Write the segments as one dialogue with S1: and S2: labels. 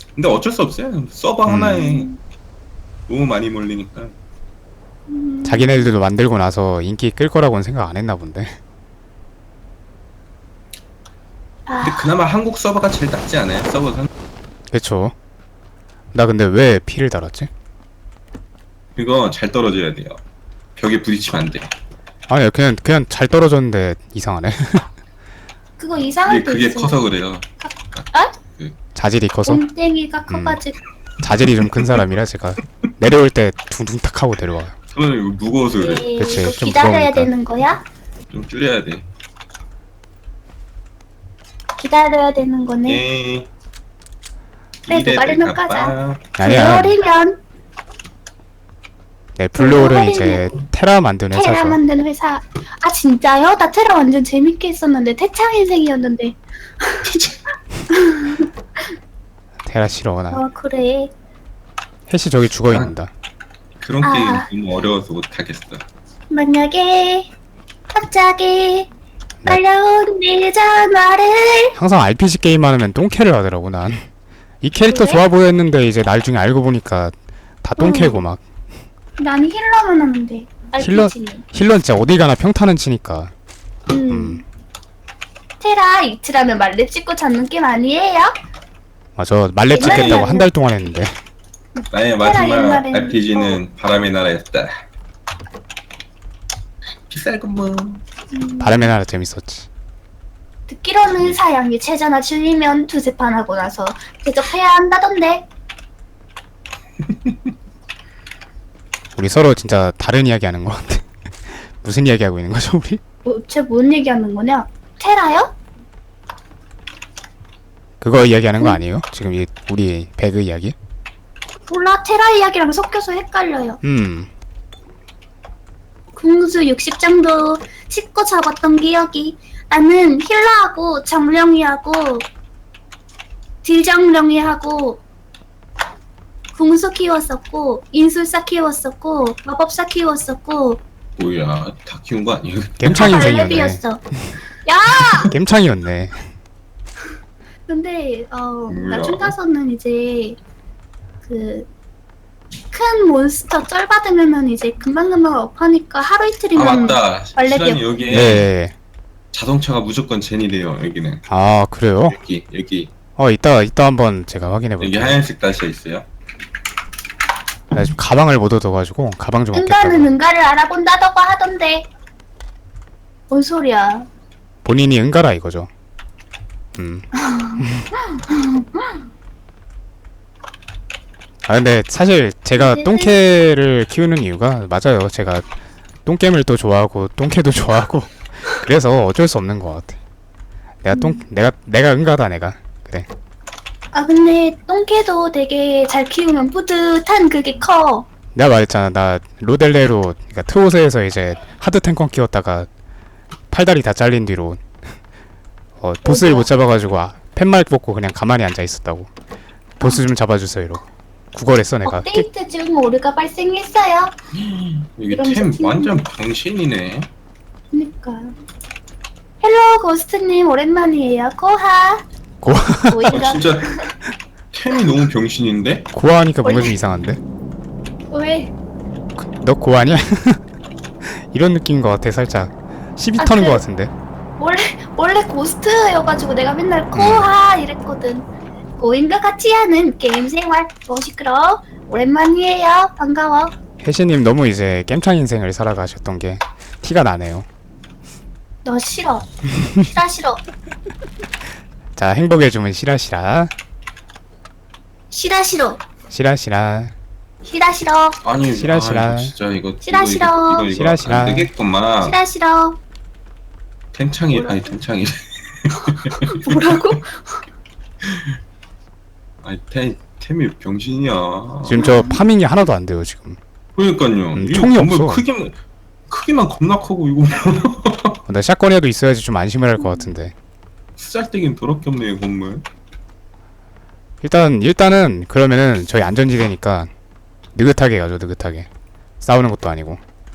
S1: 근데 어쩔 수 없어요. 서버 하나에
S2: 음.
S1: 너무 많이 몰리니까.
S2: 자기네들도 만들고 나서 인기 끌 거라고는 생각 안 했나 본데.
S1: 근데
S3: 아,
S1: 그나마 한국 서버가 제일 낫지 않아요? 서버는.
S2: 그쵸. 나 근데 왜 피를 달았지?
S1: 이거 잘 떨어져야 돼요. 벽에 부딪히면 안 돼.
S2: 아니 그냥 잘 떨어졌는데 이상하네.
S3: 그거 이상할 때
S1: 그게
S3: 있어.
S1: 커서 그래요.
S3: 아?
S2: 자질이 커서.
S3: 몸땡이가 커가지고.
S2: 자질이 좀 큰 사람이라 제가 내려올 때 둥둥 탁 하고 내려와요.
S1: 저는 이거 무거워서 그래.
S3: 네,
S2: 그치,
S3: 이거
S2: 좀
S3: 기다려야
S2: 무서우니까.
S3: 되는 거야?
S1: 좀 줄여야 돼.
S3: 기다려야 되는 거네.
S1: 예.
S3: 그래,
S1: 이래
S3: 말이면
S1: 될까
S3: 까자.
S1: 봐.
S2: 아니야.
S3: 블루홀이면
S2: 네, 블루홀은 이제 테라 만드는
S3: 테라
S2: 회사죠.
S3: 만드는 회사. 아 진짜요? 나 테라 완전 재밌게 했었는데 태창 인생이었는데.
S2: 테라 싫어 나.
S3: 어 그래.
S2: 해시 저기 죽어 있는다.
S1: 그런
S3: 아.
S1: 게임 너무 어려워서 못하겠어.
S3: 만약에 갑자기
S2: 네.
S3: 날려온 네 전화를
S2: 항상 RPG 게임 하면 똥캐를 하더라고 난. 이 캐릭터
S3: 그래?
S2: 좋아 보였는데 이제 나중에 알고 보니까 다 똥캐고 막.
S3: 난 힐러만 하는데.
S2: 힐러
S3: RPG는.
S2: 힐러는 진짜 어디 가나 평타는 치니까.
S3: 테라 이틀하면 말렙 찍고 잡는 게임 아니에요?
S2: 맞아 말렙
S3: 옛날에는-
S2: 찍겠다고 한 달 동안 했는데.
S1: 나의 마지막
S3: 옛날에는-
S1: RPG는 바람의 나라였다. 비쌀건뭐.
S2: 바람의 나라 재밌었지.
S3: 듣기로는 사양이 최저나 줄이면 두세 판 하고 나서 대접해야 한다던데.
S2: 우리 서로 진짜 다른 이야기 하는 것 같아. 무슨 이야기 하고 있는 거죠 우리?
S3: 쟤뭔 얘기하는 거냐? 테라요?
S2: 그거 이야기하는 거 아니에요? 지금 우리 배그 이야기?
S3: 몰라, 테라 이야기랑 섞여서 헷갈려요. 궁수 60 정도 씻고 잡았던 기억이. 나는 힐러하고 정령이하고 딜정령이하고 궁수 키웠었고 인술사 키웠었고 마법사 키웠었고
S1: 뭐야, 다 키운 거 아니에요?
S2: 겜창 인생이었네.
S3: 발레비였어. 야!
S2: 겜창이었네.
S3: 근데
S1: 뭐야?
S3: 나중 가서는 이제 그 큰 몬스터 쩔 받으면은 이제 금방금방 업하니까 하루
S1: 아
S3: 이틀이면
S1: 맞다.
S3: 발레비였-
S1: 시간이 여기에
S2: 네.
S1: 자동차가 무조건 젠이래요. 여기는
S2: 아 그래요?
S1: 여기
S2: 이따 한번 제가 확인해
S1: 여기
S2: 볼게요.
S1: 하얀색 다시가 있어요.
S2: 나 지금 가방을 못 얻어가지고 가방 좀
S3: 응가는
S2: 얻겠다고.
S3: 응가를 알아본다더고 하던데. 뭔 소리야?
S2: 본인이 응가라 이거죠. 아 근데 사실 제가 똥캐를 키우는 이유가 맞아요. 제가 똥겜을 또 좋아하고 똥캐도 좋아하고 그래서 어쩔 수 없는 것 같아. 내가 응가다 내가. 그래.
S3: 아 근데 똥개도 되게 잘 키우면 뿌듯한 그게 커.
S2: 내가 말했잖아. 나 로델레로 그러니까 트오스에서 이제 하드 탱커 키웠다가 팔다리 다 잘린 뒤로 보스를 못 잡아가지고 팻말 뽑고 그냥 가만히 앉아 있었다고. 보스 좀 잡아주세요 이러고 구걸했어 내가.
S3: 업데이트 중 오류가 발생했어요.
S1: 여기
S3: 이러면서
S1: 템
S3: 키우는
S1: 완전 병신이네.
S3: 그니까. 헬로 고스트님 오랜만이에요. 고하.
S2: 고
S1: 아,
S3: 오인가?
S1: 진짜 템이 너무 병신인데?
S2: 고아하니까 뭔가 좀 이상한데?
S3: 왜?
S2: 너 고아냐? 이런 느낌인 것 같아 살짝. 시비
S3: 아,
S2: 터는
S3: 그-
S2: 것 같은데.
S3: 원래 고스트여가지고 내가 맨날 고하 이랬거든. 고인과 같이 하는 게임 생활. 시끄러. 오랜만이에요. 반가워.
S2: 혜시님 너무 이제 겜창 인생을 살아가셨던 게 티가 나네요.
S3: 너 싫어. 싫어.
S2: 자 행복의 주문 시라시라
S3: 싫어.
S2: 시라시라.
S3: 싫어.
S1: 아니
S2: 싫어.
S1: 이거 진짜 이거
S3: 싫어.
S2: 싫어.
S1: 안 되겠구만.
S3: 싫어.
S1: 템창이
S3: 뭐라-
S1: 아니 템창이
S3: 뭐라고?
S1: 아니 템이 병신이야.
S2: 지금 저 파밍이 하나도 안 돼요 지금.
S1: 그러니까요. 이
S2: 총이
S1: 건물
S2: 없어.
S1: 크기만 겁나 크고 이거
S2: 나 샷건이라도 있어야지 좀 안심을 할 것 같은데.
S1: 쓰잘데기는 더럽게 없네요 건물.
S2: 일단은 그러면은 저희 안전지대니까 느긋하게 가죠. 느긋하게 싸우는 것도 아니고.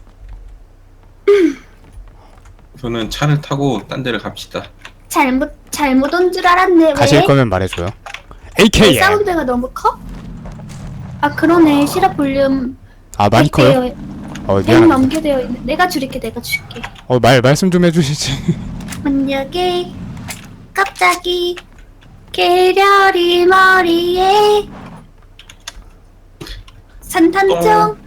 S1: 저는 차를 타고 딴 데를 갑시다.
S3: 잘못 온 줄 알았네. 왜?
S2: 가실 거면 말해줘요. AKM.
S3: 사운드가 너무 커? 아 그러네. 실화 볼륨
S2: 아 많이 커요?
S3: 100
S2: 미안합니다.
S3: 넘게 되어 있네. 내가 줄일게.
S2: 말씀 좀 해주시지.
S3: 만약에 갑자기 계렬이 머리에 산탄총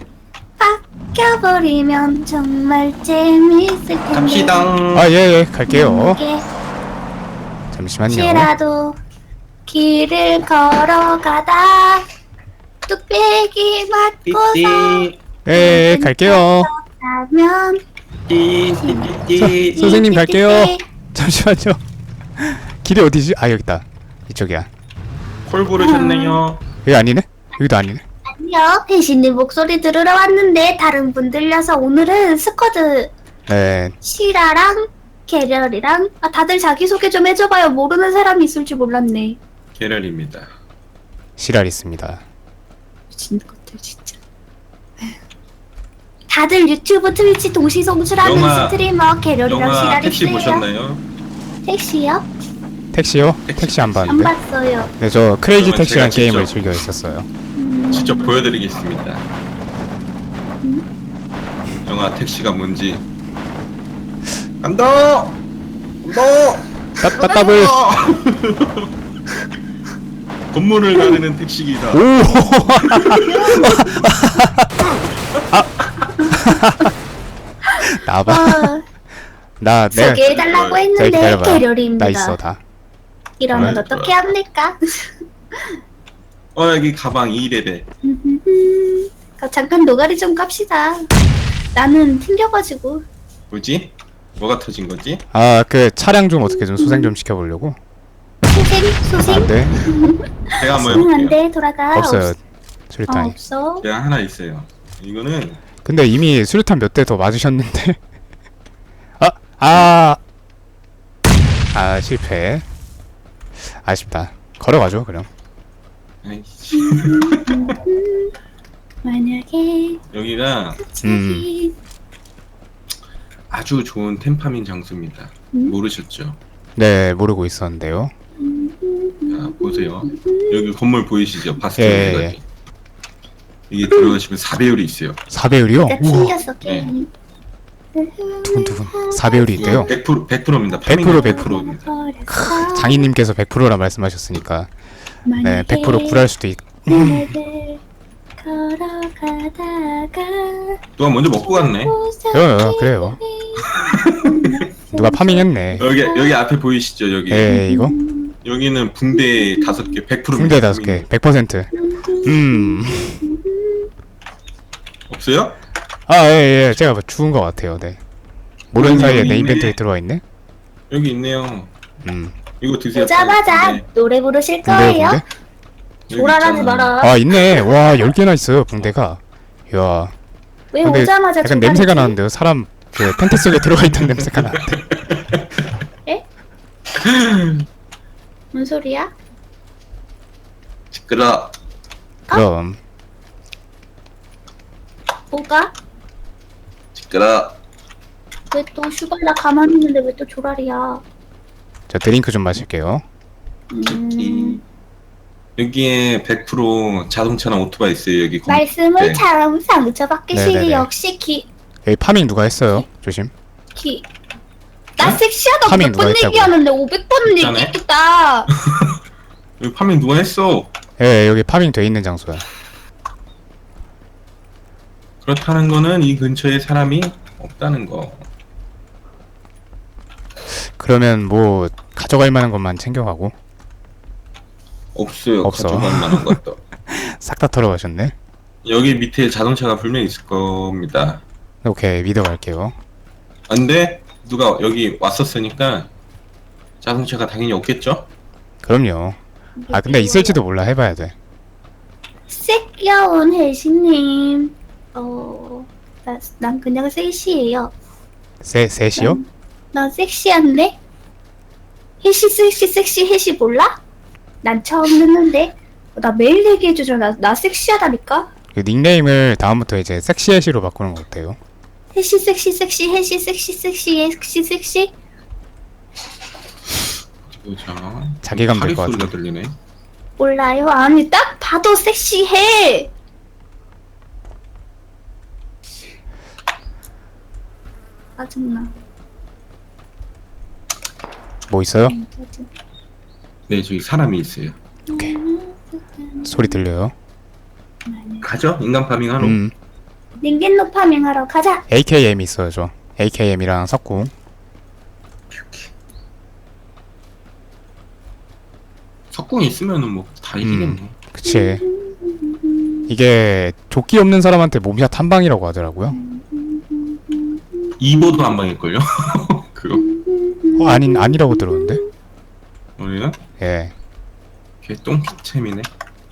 S3: 박혀버리면 정말 재밌을 텐데.
S1: 갑시다.
S2: 아 예 갈게요.
S3: 이게
S2: 잠시만요.
S3: 혹시라도 길을 걸어가다 뚝배기 맞고서
S1: 띠띠.
S2: 갈게요.
S3: 나면
S1: 띠띠띠.
S2: 선생님 갈게요. 잠시만요. 길이 어디지? 아 여기 있다. 이쪽이야.
S1: 콜 부르셨네요.
S2: 여기 아니네? 여기도 아니네.
S3: 아니요, 배신님 목소리 들으러 왔는데 다른 분 들려서 오늘은 스쿼드
S2: 네.
S3: 시라랑 계렬이랑 다들 자기소개 좀 해줘봐요. 모르는 사람이 있을 줄 몰랐네.
S1: 계렬입니다.
S2: 시랄 있습니다.
S3: 미친 것들 진짜. 다들 유튜브, 트위치 동시 송출하는
S1: 영화-
S3: 스트리머 계렬이랑
S1: 영화
S3: 시랄이
S1: 택시
S3: 있어요.
S1: 보셨나요?
S3: 택시요?
S2: 택시요? 택시 안
S3: 안
S2: 봤는데.
S3: 봤어요.
S2: 네, 저 크레이지
S1: 그러면
S2: 택시란
S1: 제가
S2: 게임을
S1: 직접-
S2: 즐겨 있었어요.
S1: 직접 보여드리겠습니다. 영화 택시가 뭔지. 간다. 간다.
S2: 따따블.
S1: 건물을 가르는 택시기사.
S2: 오. 나봐. 나 내가
S3: 소개해달라고
S2: 자,
S3: 했는데
S2: 기다려봐.
S3: 계렬입니다.
S2: 나 있어 다.
S3: 이러면
S1: 네.
S3: 어떻게 합니까?
S1: 여기 가방 2레벨.
S3: 잠깐 노가리 좀 깝시다. 나는 튕겨가지고.
S1: 뭐지? 뭐가 터진 거지?
S2: 아 그 차량 좀 어떻게 좀 소생 좀 시켜보려고.
S3: 소생?
S2: 안돼.
S1: 제가 한번
S3: 소생
S1: 해볼게요.
S3: 안돼 돌아가.
S2: 없어요. 수류탄이.
S3: 없어.
S1: 제가 하나 있어요. 이거는
S2: 근데 이미 수류탄 몇 대 더 맞으셨는데. 실패. 아쉽다. 걸어가죠 그럼.
S1: 아이씨.
S3: 만약에
S1: 여기가
S3: 갑자기
S1: 아주 좋은 템파민 장소입니다. 모르셨죠?
S2: 네 모르고 있었는데요.
S1: 자, 보세요. 여기 건물 보이시죠?
S2: 예,
S1: 바스티온까지. 이게 들어가시면 4배율이 있어요.
S2: 4배율이요?
S3: 내가
S2: 우와.
S3: 튕겼어 게임.
S2: 두근두근. 4배율이 있대요.
S1: 100%입니다.
S2: 100%. 장인님께서 100%라 말씀하셨으니까 네 100% 굴할 수도 있.
S3: 걸어가다가
S1: 누가 먼저 먹고 갔네.
S2: 그래요. 누가 파밍했네.
S1: 여기 앞에 보이시죠? 여기.
S2: 이거
S1: 여기는 붕대 5개, 100%.
S2: 붕대 5개, 100%.
S1: 없어요?
S2: 예. 제가 뭐 죽은 것 같아요. 네. 모르는
S1: 여기
S2: 사이에 내
S1: 있네.
S2: 인벤토리 들어와 있네.
S1: 여기 있네요.
S2: 음.
S1: 이거 드세요.
S3: 오자마자
S1: 붕대.
S3: 노래 부르실
S2: 붕대요,
S3: 거예요?
S2: 붕대?
S1: 여기
S3: 조랄하지
S1: 있잖아.
S3: 마라.
S2: 있네. 와, 10개나 있어요, 붕대가. 이야.
S3: 왜
S2: 근데
S3: 오자마자
S2: 약간
S3: 조랄이지?
S2: 냄새가 나는데요. 사람 그 텐트 속에 들어가 있던 냄새가 나는데.
S3: 뭔 소리야?
S1: 시끄러.
S2: 그럼
S3: 뭐가?
S1: 시끄러.
S3: 왜 또 슈발라 가만히 있는데 왜 또 조랄이야?
S2: 저 드링크 좀 마실게요.
S1: 이- 여기에 100% 자동차나 오토바이 있어요. 여기
S3: 말씀을
S1: 네.
S3: 참 상처받기
S2: 네네네.
S3: 싫이 역시
S2: 여기 파밍 누가 했어요? 조심.
S3: 나 섹시하다고
S2: 파밍
S3: 몇
S2: 누가
S3: 번
S2: 했다고요?
S3: 얘기하는데 500번은
S1: 있잖아요.
S3: 얘기했다.
S1: 여기 파밍 누가 했어?
S2: 여기 파밍 돼 있는 장소야.
S1: 그렇다는 거는 이 근처에 사람이 없다는 거.
S2: 그러면 뭐 가져갈 만한 것만 챙겨가고
S1: 없어요.
S2: 없어.
S1: 가져갈 만한 것도.
S2: 싹 다 털어가셨네.
S1: 여기 밑에 자동차가 분명히 있을 겁니다.
S2: 오케이 믿어갈게요.
S1: 근데 누가 여기 왔었으니까 자동차가 당연히 없겠죠?
S2: 그럼요. 근데 있을지도 몰라. 해봐야 돼.
S3: 섹겨운 혜신님. 난 그냥 섹시해요.
S2: 셋이요?
S3: 난 섹시한데? 혜시 섹시 혜시 몰라? 난 처음 듣는데. 나 매일 얘기해주잖아. 나 섹시하다니까?
S2: 그 닉네임을 다음부터 이제 섹시해시로 바꾸는 거 어때요?
S3: 혜시 섹시 혜시 섹시.
S1: 보자.
S2: 자기감
S1: 파리
S2: 될 것
S1: 소리가
S2: 같은데.
S1: 들리네.
S3: 몰라요? 아니 딱 봐도 섹시해. 짜증나.
S2: 뭐 있어요?
S1: 네, 저기 사람이 있어요.
S2: 오케이. 소리 들려요?
S1: 가죠? 인간 파밍 하러.
S3: 닌겐노 파밍하러 가자.
S2: AKM 있어요 저. AKM이랑 석궁.
S1: 석궁이 있으면은 뭐 다 이기겠네.
S2: 그치. 이게 조끼 없는 사람한테 몸샷 한 방이라고 하더라고요.
S1: 2보도 한 방일걸요? 그거.
S2: 아니라고 들었는데?
S1: 우리는
S2: 예.
S1: 걔 똥챔이네.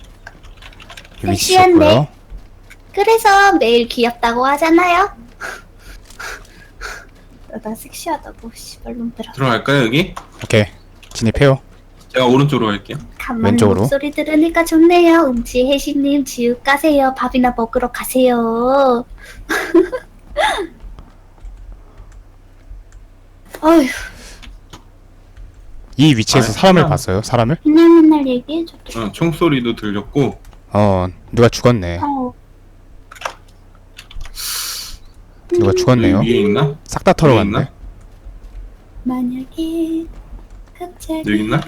S2: 위치
S3: 섹시한데?
S2: 좋고요.
S3: 그래서 매일 귀엽다고 하잖아요. 나 섹시하다고 씨발놈들아.
S1: 들어갈까요 여기?
S2: 오케이. 진입해요.
S1: 제가 오른쪽으로 갈게요.
S3: 간만에
S2: 왼쪽으로.
S3: 목소리 들으니까 좋네요. 혜시님 지읒 가세요. 밥이나 먹으러 가세요. 어휴,
S2: 이 위치에서
S1: 아,
S2: 사람을
S1: 그냥-
S2: 봤어요? 사람을?
S3: 맨날 얘기해줬더라.
S1: 총소리도 들렸고
S2: 누가 죽었네.
S3: 어.
S2: 누가 죽었네요.
S1: 위에 있나?
S2: 싹 다 털어갔네.
S1: 있나?
S3: 만약에 갑자기
S1: 여기 있나?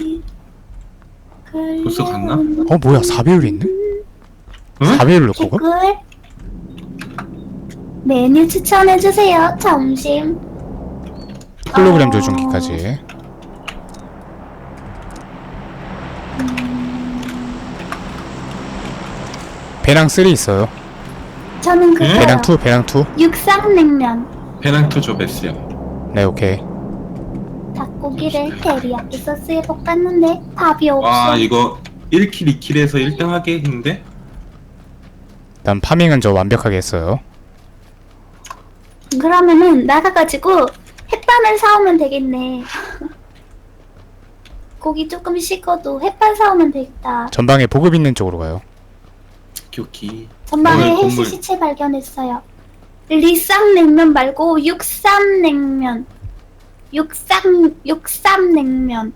S1: 벌써 갔나?
S2: 뭐야 4배율이 있네?
S1: 응?
S2: 4배율로 그거?
S3: 개꿀 메뉴 추천해주세요. 점심
S2: 홀로그램 조종기까지. 배낭 3 있어요.
S3: 저는 그거요.
S2: 배낭 2, 배낭 2.
S3: 육상냉면
S1: 페낭트 저 베스요.
S2: 네, 오케이.
S3: 닭고기를 테리야끼 소스에 볶았는데 밥이 없어.
S1: 와 이거 1킬 2킬에서 1등 하겠는데?
S2: 일단 파밍은 저 완벽하게 했어요.
S3: 그러면은 나가가지고 햇반을 사오면 되겠네. 고기 조금 식어도 햇반 사오면 되겠다.
S2: 전방에 보급 있는 쪽으로 가요.
S1: 교키.
S3: 전방에
S1: 건물,
S3: 헬스
S1: 건물.
S3: 시체 발견했어요. 리쌍냉면 말고 육삼냉면. 육삼냉면.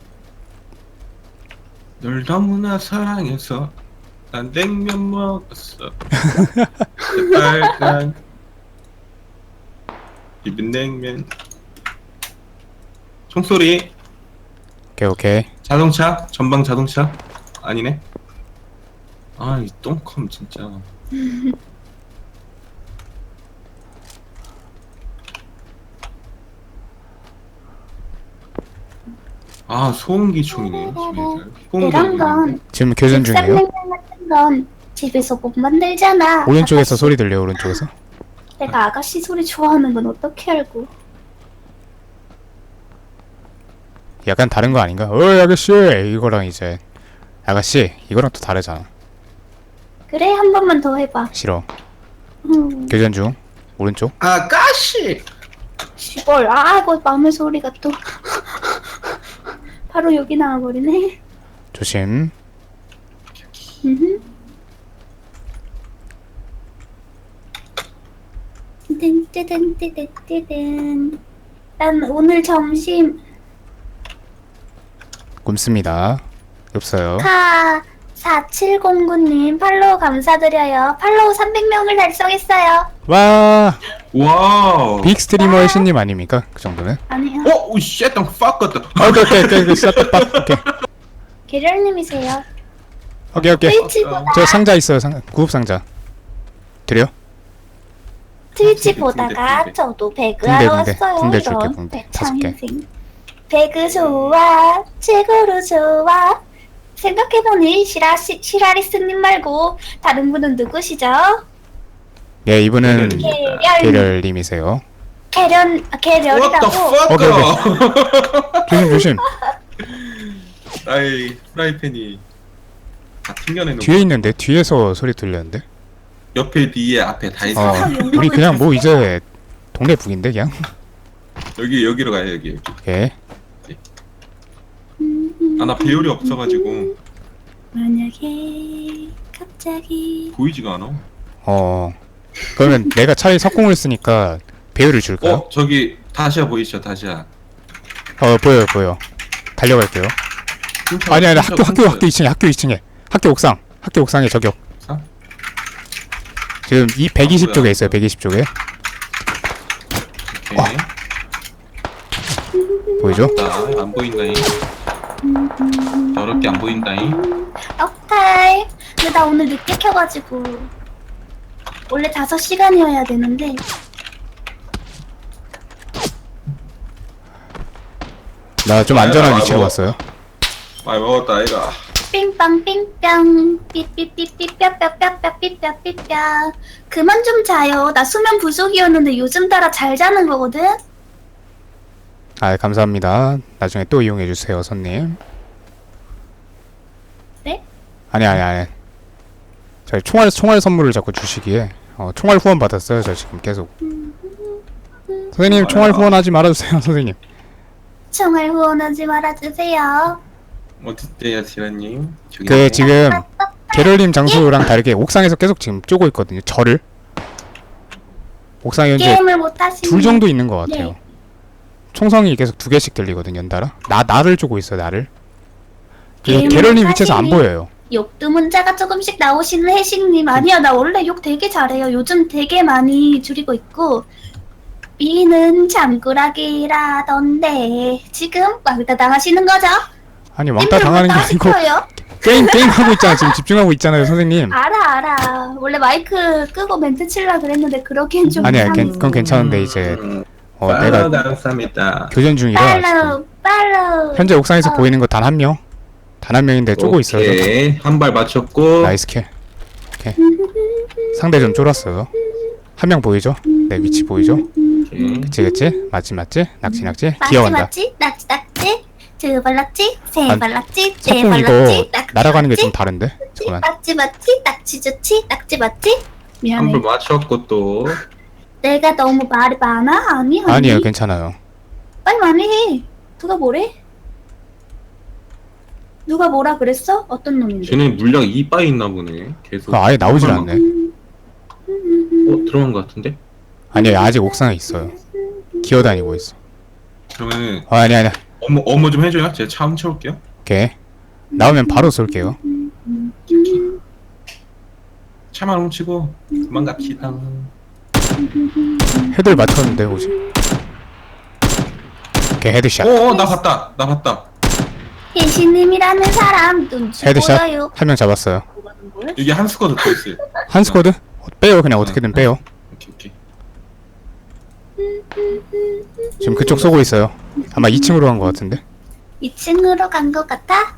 S1: 널 너무나 사랑해서 난 냉면 먹었어. 빨간 비빔냉면. 총소리.
S2: 오케이, 오케이.
S1: 자동차. 전방 자동차. 아니네. 아 이 똥컴 진짜. 아 소음기총이네.
S3: 이런 건
S2: 지금 교전 중이에요.
S3: 육삼냉면 같은 건 집에서 못 만들잖아.
S2: 오른쪽에서 소리 들려요, 오른쪽에서.
S3: 내가 아가씨 소리 좋아하는 건 어떻게 알고?
S2: 약간 다른 거 아닌가? 아가씨! 이거랑 이제. 아가씨, 이거랑 또 다르잖아.
S3: 그래 한 번만 더 해봐.
S2: 싫어.
S3: 음,
S2: 교전 중. 오른쪽.
S1: 아가씨.
S3: 시벌. 아 이거 마음의 소리가 또 바로 여기 나와버리네.
S2: 조심.
S3: 음흠. 뜬뜨뜬뜨뜨뜨뜬. 난 오늘 점심
S2: 굶습니다. 없어요.
S3: 4709님 팔로우 감사드려요. 팔로우 300명을 달성했어요.
S2: 와!
S1: 와우.
S2: 빅 스트리머의 신님 아닙니까? 그 정도는?
S3: 아니요.
S1: 오 쉣, 똥 fuck 같다.
S2: 오케이. 싹다 오케이.
S3: 계렬님이세요.
S2: 오케이.
S3: 트위치보다
S2: 저 상자 있어요, 구급 상자. 드려?
S3: 트위치
S1: 붕대,
S3: 보다가
S1: 붕대.
S3: 저도 배그
S2: 붕대,
S3: 하러
S2: 붕대.
S3: 왔어요.
S2: 붕대 줄게,
S3: 이런
S2: 붕대.
S3: 배창
S2: 5개.
S3: 인생. 배그 좋아, 최고로 좋아. 생각해보니 시라리스님 말고 다른 분은 누구시죠?
S2: 네, 이분은
S1: 계렬.
S2: 계렬님이세요.
S1: What the
S3: 계렬이라고.
S1: fuck?
S2: 조심.
S1: 아이 프라이팬이 다 튕겨내는.
S2: 뒤에 있는데? 뒤에서 소리 들렸는데?
S1: 옆에 뒤에 앞에 다 있어.
S2: 우리 그냥 뭐 이제 동네 북인데 그냥?
S1: 여기로 가요 여기.
S2: 오케이.
S1: 아 나 배율이 없어가지고
S3: 만약에 갑자기
S1: 보이지가 않아.
S2: 그러면 내가 차에 석궁을 쓰니까 배율을 줄까요?
S1: 저기 다시야 보이시죠 다시야.
S2: 보여. 달려갈게요. 아니 학교 2층에 학교 옥상. 학교 옥상에 저격.
S1: 옥상?
S2: 지금 이 120
S1: 뭐야?
S2: 쪽에 있어요. 120 쪽에.
S1: 오케이.
S2: 보이죠?
S1: 안 보인다잉. 더럽게 안 보인다잉.
S3: 오케이. 근데 나 오늘 늦게 켜가지고 원래 5시간이어야 되는데
S2: 나 좀 안전한 위치로 왔어요.
S1: 많이 먹었다 아이가.
S3: 삥빵 삥빵 삐삐삐삐 뼈뼈뼈뼈삐뼈삐뼈 그만 좀 자요. 나 수면 부족이었는데 요즘 따라 잘 자는 거거든.
S2: 아, 감사합니다. 나중에 또 이용해 주세요, 손님.
S3: 네?
S2: 아니. 저희 총알 선물을 자꾸 주시기에 총알 후원 받았어요. 저 지금 계속. 선생님 총알 후원하지 말아주세요, 선생님.
S3: 총알 후원하지 말아주세요.
S1: 어딨대요 지라님? 저기
S2: 그 지금 게럴님 장소랑 다르게 옥상에서 계속 지금 쪼고 있거든요. 저를 옥상에 현재
S3: 게임을 못 하시는
S2: 둘 정도 있는 것 같아요.
S3: 네.
S2: 총성이 계속 2개씩 들리거든요, 연달아. 나를 쪼고 있어요, 나를. 그리고
S3: 게임을
S2: 게럴님 위치에서 안
S3: 하시니?
S2: 보여요.
S3: 욕도 문자가 조금씩 나오시는 혜식님. 아니야, 나 원래 욕 되게 잘해요. 요즘 되게 많이 줄이고 있고. B는 잠꾸라기라던데 지금 왕따 당하시는 거죠?
S2: 아니 왕따 당하는 게 아니고
S3: 시켜요?
S2: 게임 하고 있잖아. 지금 집중하고 있잖아요, 선생님.
S3: 알아. 원래 마이크 끄고 멘트 치려고 그랬는데 그러기엔 좀
S2: 아니야,
S3: 이상해.
S2: 그건 괜찮은데 이제 내가
S1: 감사합니다.
S2: 교전 중이라 지금.
S3: 팔로우
S2: 현재 옥상에서 보이는 거 단 한 명. 단 한 명인데 쪼고 있어요.
S1: 오케이 한 발 맞췄고.
S2: 나이스 킬. 오케이. 상대 좀 쫄았어요. 한 명 보이죠? 내 위치 보이죠?
S1: 오케이.
S2: 그치 맞지 낙지 기어간다.
S3: 맞지 두 발 낙지 세
S2: 아,
S3: 발 낙지 네
S2: 석궁
S3: 발
S2: 이거
S3: 낙지
S2: 날아가는 게 좀 다른데? 잠깐만.
S3: 맞지 낙지 좋지 낙지 맞지?
S1: 한
S3: 미안해.
S1: 발 맞췄고 또.
S3: 내가 너무 말이 많아? 아니
S2: 아니에요, 괜찮아요.
S3: 빨리 많이 해. 누가 뭐래? 누가 뭐라 그랬어? 어떤 놈인데?
S1: 쟤네 물량 2바 있나 보네. 계속.
S2: 그거 아예 나오질 않네.
S1: 들어간 것 같은데?
S2: 아니에요, 아직 옥상에 있어요. 기어다니고 있어.
S1: 그러면은
S2: 아니야.
S1: 어머 좀 해줘요. 제가 차 훔쳐올게요.
S2: 오케이. 나오면 바로 쏠게요.
S1: 차만 훔치고 그만 갑시다.
S2: 헤드를 맞췄는데 혹시? 오케이, 헤드샷.
S1: 나 봤다.
S3: 혜신님이라는 사람 눈치
S2: 헤드샷.
S3: 보여요.
S2: 한 명 잡았어요.
S1: 여기 한 스쿼드 더 있어요.
S2: 한 스쿼드? 빼요, 그냥 어떻게든 빼요.
S1: 오케이.
S2: 지금 그쪽 쏘고 있어요. 아마 2층으로 간 것 같은데.
S3: 2층으로 간 것 같아?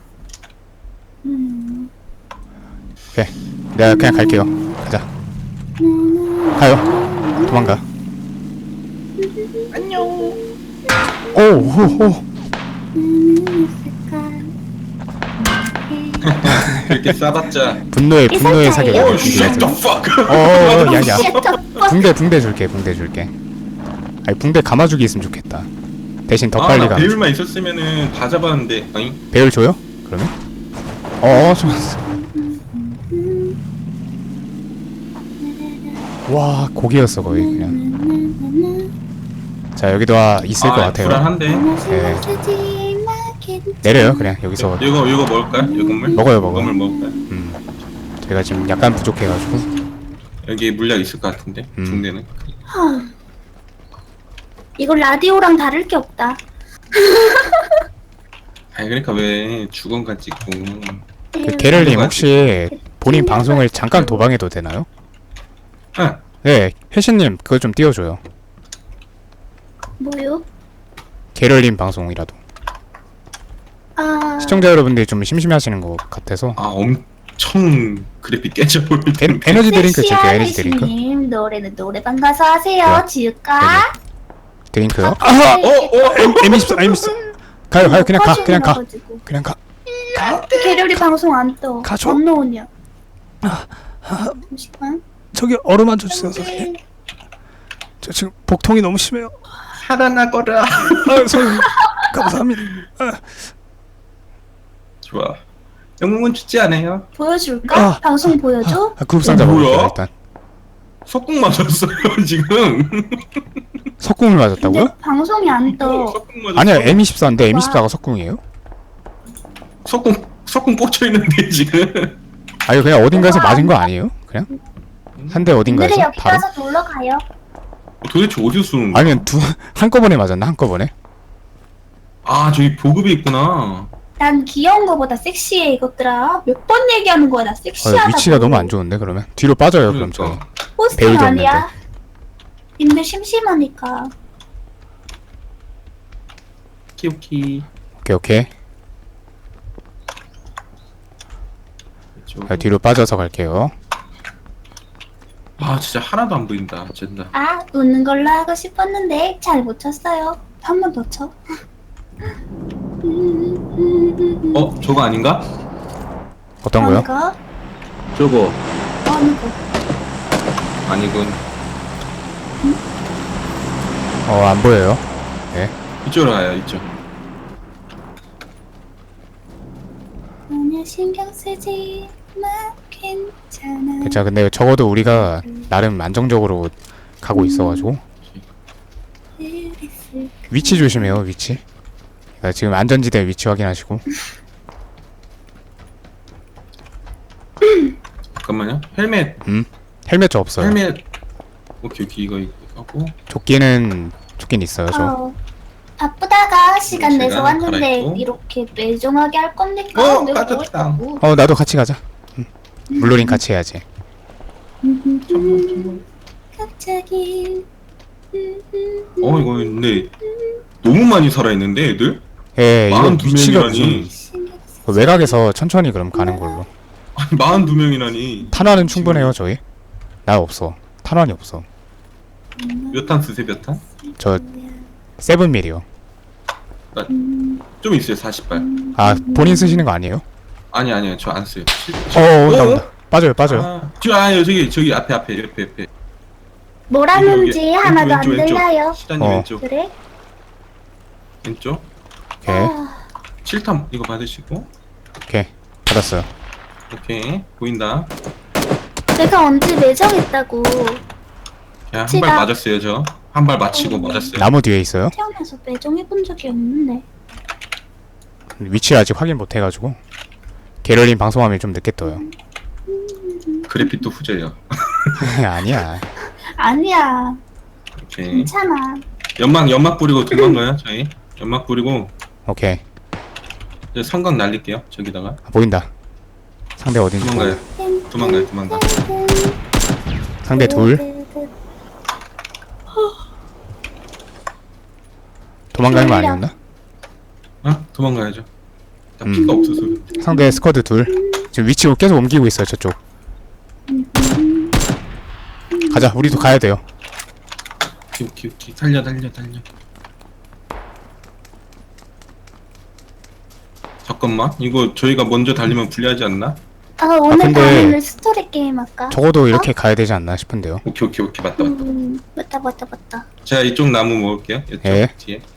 S2: 오케이. 내가 그냥 갈게요. 가자. 가요. 도망가. 안녕. 오.
S1: 그렇게 싸봤자.
S2: 분노의
S3: 이
S2: 사격.
S3: 설정이에요?
S1: Shut the fuck.
S2: 야야. 붕대 줄게. 아니 붕대 감아주기 있으면 좋겠다. 대신 더 빨리
S1: 나
S2: 가.
S1: 배율만 있었으면은 다 잡았는데. 아니?
S2: 배율 줘요? 그러면? 좋았어. 와, 고기였어 거의 그냥. 자, 여기도 있을 것 같아요.
S1: 불안한데.
S2: 네. 내려요, 그냥 여기서.
S1: 이거 먹을까요? 이거 건물?
S2: 먹어요.
S1: 건물 먹을까요?
S2: 제가 지금 약간 부족해가지고.
S1: 여기 물약 있을 것 같은데. 중대는.
S3: 이거 라디오랑 다를 게 없다.
S1: 아니 그러니까 왜 주건간 찍고.
S2: 그 게럴님 혹시 본인 방송을 잠깐 도방해도 되나요?
S1: 응.
S2: 네, 혜신님 그거 좀 띄워줘요.
S3: 뭐요?
S2: 게럴님 방송이라도. 시청자 여러분들이 좀 심심해하시는 것 같아서.
S1: 엄청 그래픽 깨져 보이는.
S2: 에너지 드링크 줄게요. 에너지 드링크.
S3: 혜신님 노래는 노래방 가서 하세요.
S2: 네.
S3: 지을까?
S2: 드링크요.
S3: M24
S2: 가요. 그냥 가.
S3: 게르리 방송 안 떠.
S2: 가죠.
S3: 안 나오냐? 잠시만.
S2: 저기 얼음 한 줘 주세요, 선생님. 저 지금 복통이 너무 심해요.
S1: 살아나거라.
S2: 선생님 감사합니다.
S1: 좋아. 영웅은 죽지 않아요.
S3: 보여줄까? 방송 보여줘?
S2: 그룹 상자
S1: 뭐야?
S2: 먹을게요 일단.
S1: 석궁 맞았어요 지금.
S2: 석궁을 맞았다고요?
S3: 근데 방송이 안 떠.
S1: 석궁 맞았어.
S2: 아니야, M24인데 M24가 석궁이에요?
S1: 석궁 꽂혀 있는데 지금.
S2: 아 이거 그냥 어딘가에서 맞은 거 아니에요? 그냥 한 대
S3: 오늘은
S2: 어딘가에서
S3: 여기
S2: 바로?
S3: 가서 놀러 가요.
S1: 도대체 어디서 쏘는 거야?
S2: 아니면 두 한꺼번에 맞았나 한꺼번에?
S1: 아 저기 보급이 있구나.
S3: 난 귀여운 거보다 섹시해 이것들아. 몇 번 얘기하는 거야 나 섹시하다고.
S2: 위치가 너무 안 좋은데 그러면 뒤로 빠져요 그럼 저희.
S1: 그러니까.
S3: 포스팅
S2: 배우도
S3: 아니야. 님들 심심하니까.
S1: 오케이.
S2: 오케이.
S1: 이쪽.
S2: 자, 뒤로 빠져서 갈게요.
S1: 아 진짜 하나도 안 보인다. 진짜.
S3: 아 웃는 걸로 하고 싶었는데 잘 못 쳤어요. 한 번 더 쳐.
S1: 저거 아닌가?
S2: 어떤 거요?
S3: 거?
S1: 저거
S3: 어느 거?
S1: 아니군.
S2: 안 보여요.
S1: 이쪽으로 가요. 이쪽.
S3: 전혀 신경 쓰지 마 괜찮아.
S2: 자 근데 적어도 우리가 나름 안정적으로 가고 있어가지고
S3: 그랬을
S2: 위치 조심해요 위치. 그러니까 지금 안전지대 위치 확인하시고.
S1: 잠깐만요. 헬멧.
S2: 헬멧 저 없어요.
S1: 헬멧. 오케이 이거 하고.
S2: 조끼는 있어요 저.
S3: 바쁘다가 시간 내서
S1: 시간
S3: 왔는데
S1: 갈아입고.
S3: 이렇게 매정하게 할 겁니까? 내가 뭐
S1: 빠졌다.
S3: 했다고?
S2: 나도 같이 가자. 물놀이 같이 해야지.
S3: 갑자기
S1: 이거 근데 너무 많이 살아있는데 애들?
S2: 예 이거 위치가 무슨
S1: 42명이라니.
S3: 신경 쓰지
S2: 그 외곽에서 천천히 그럼 가는 걸로.
S1: 아니 42명이라니.
S2: 탄환은 충분해요 저희. 나 없어. 탄환이 없어.
S1: 몇 탄 쓰세요 몇 탄?
S2: 저 7mm요.
S1: 좀 있어요 40발.
S2: 아 본인 쓰시는 거 아니에요?
S1: 아니요 저 안 써요.
S2: 나온다. 빠져요.
S1: 저기 앞에 옆에.
S3: 뭐라는지 하나도 안
S1: 왼쪽.
S3: 들려요.
S1: 시단님 왼쪽.
S3: 그래?
S1: 왼쪽.
S2: 오케이.
S1: 7탄 이거 받으시고.
S2: 오케이. 받았어요.
S1: 오케이 보인다.
S3: 내가 언제 매정했다고.
S1: 야, 한
S3: 제가-
S1: 발 맞았어요 저. 한 발 맞히고 맞았어요.
S2: 나무 뒤에 있어요.
S3: 태어나서 매정해본 적이 없는데.
S2: 위치를 아직 확인 못 해가지고. 게럴린 방송하면 좀 늦게 떠요.
S1: 그래픽도 후져요.
S2: 아니야.
S3: 아니야.
S1: 오케이.
S3: 괜찮아.
S1: 연막 뿌리고 도망가요 저희. 연막 뿌리고
S2: 오케이.
S1: 이제 성광 날릴게요 저기다가.
S2: 보인다. 상대 어딘지.
S1: 도망가요. 도망가.
S2: 상대 둘. 도망가는 거 아니었나?
S1: 도망가야죠. 나 피가 없어서.
S2: 상대 스쿼드 둘. 지금 위치 계속 옮기고 있어요 저쪽. 가자. 우리도 가야 돼요.
S1: 오케이. 달려. 잠깐만. 이거 저희가 먼저 달리면 불리하지 않나?
S3: 오늘
S2: 근데-
S3: 밤에는 스토리 게임 할까?
S2: 적어도 이렇게 가야 되지 않나 싶은데요.
S1: 오케이. 맞다.
S3: 맞다.
S1: 제가 이쪽 나무 먹을게요. 이쪽
S2: 예.
S1: 뒤에.